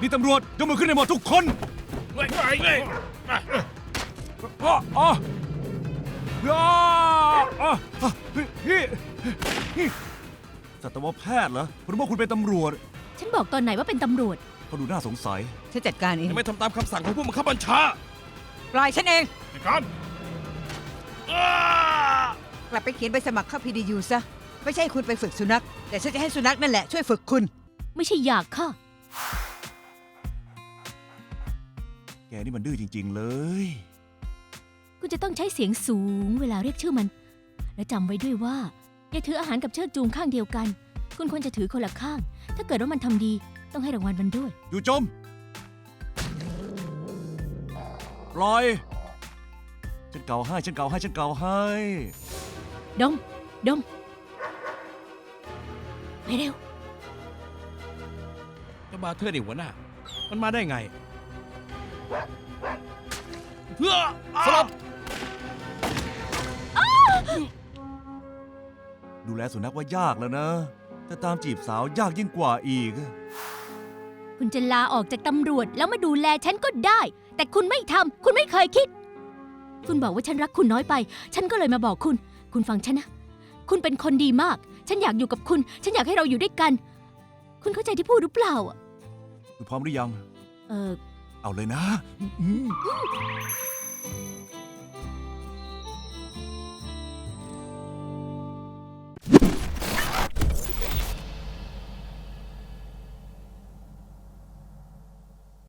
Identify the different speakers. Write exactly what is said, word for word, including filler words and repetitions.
Speaker 1: นี่ตำรวจยกมือขึ้นให้หมดทุกคน
Speaker 2: เฮ้ยเฮ้ยเฮ้ย
Speaker 1: อ๋ออ๋ออ๋ออ๋อพี่พี่สัตวแพทย์เหรอผมว่าคุณเป็นตำรวจ
Speaker 3: ฉันบอกตอนไหนว่าเป็นตำรวจ
Speaker 1: เขาดูน่าสงสัย
Speaker 4: ฉันจัดการเอง
Speaker 2: ยังไม่ทำตามคำสั่งของผู้บังคับบัญชา
Speaker 4: ปล่อยฉันเอง
Speaker 2: ในการอ้าก
Speaker 4: ลับไปเขียนใบสมัครเข้า พี ดี ยู ซะ ไม่ใช่คุณไปฝึกสุนัข แต่ฉันจะให้สุนัขนั่นแหละช่วยฝึกคุณ
Speaker 3: ไม่ใช่อยากค่ะ
Speaker 1: แกนี่มันดื้อจริง ๆ เลย
Speaker 3: คุณจะต้องใช้เสียงสูงเวลาเรียกชื่อมัน และจำไว้ด้วยว่า อย่าถืออาหารกับเชือกจูงข้างเดียวกัน คุณควรจะถือคนละข้าง ถ้าเกิดว่ามันทำดีต้องให้รางวัลมันด้วย
Speaker 1: อยู่จมปล่อย ฉันเกาให้ ฉันเกาให้ ฉันเกาให้
Speaker 3: ดม ดม ไปเร็ว
Speaker 2: เจ้าบาเทอร์นี่หัวหน้า มันมาได้ไงเฮ้อสลบ
Speaker 1: ดูแลสุนัขว่ายากแล้วนะ แต่ตามจีบสาวยากยิ่งกว่าอีก
Speaker 3: คุณจะลาออกจากตำรวจแล้วมาดูแลฉันก็ได้ แต่คุณไม่ทำ คุณไม่เคยคิด คุณบอกว่าฉันรักคุณน้อยไป ฉันก็เลยมาบอกคุณ คุณฟังฉันนะ คุณเป็นคนดีมาก ฉันอยากอยู่กับคุณ ฉันอยากให้เราอยู่ด้วยกัน คุณเข้าใจที่พูดหรือเปล่าอะ
Speaker 1: คุณพร้อมหรือยัง
Speaker 3: เออ
Speaker 1: เอาเลยนะ